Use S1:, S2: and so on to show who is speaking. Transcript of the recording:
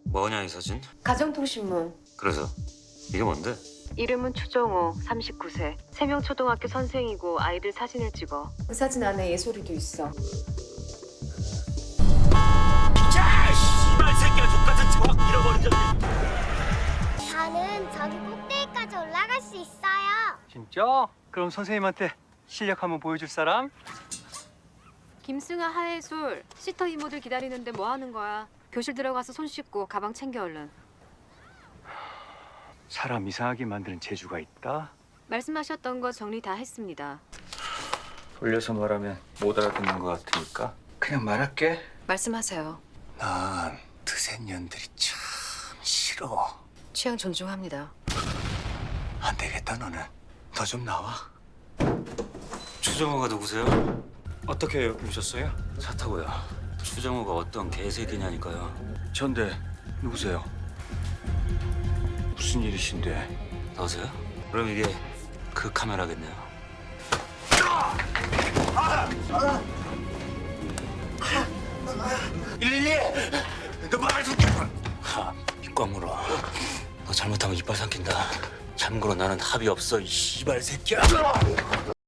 S1: 뭐냐 이 사진?
S2: 가정통신문.
S1: 그래서 이게 뭔데?
S3: 이름은 추정호, 39세. 3명 초등학교 선생이고 아이들 사진을 찍어.
S2: 그 사진 안에 예솔이도 있어.
S1: 야, 씨발 새끼야, 족같은 척 잃어버린 적.
S4: 저는 저기 꼭대기까지 올라갈 수 있어요.
S5: 진짜? 그럼 선생님한테 실력 한번 보여줄 사람?
S3: 김승아, 하혜솔, 시터 이모들 기다리는데 뭐 하는 거야? 교실 들어가서 손 씻고 가방 챙겨 얼른.
S5: 사람 이상하게 만드는 재주가 있다.
S3: 말씀하셨던 거 정리 다 했습니다.
S5: 돌려서 말하면 못 알아듣는 것 같으니까 그냥 말할게.
S3: 말씀하세요.
S1: 난 드센년들이 참 싫어.
S3: 취향 존중합니다.
S1: 안 되겠다 너는. 너 좀 나와. 추정호가 누구세요?
S5: 어떻게 오셨어요?
S1: 차 타고요. 추정호가 어떤 개새끼냐니까요.
S5: 전데 누구세요? 무슨 일이신데?
S1: 너세요? 그럼 이게 그 카메라겠네요. 너 말을 좀. 입꽉 물어. 너 잘못하면 이빨 삼킨다. 참고로 나는 합의 없어, 이 씨발 새끼야.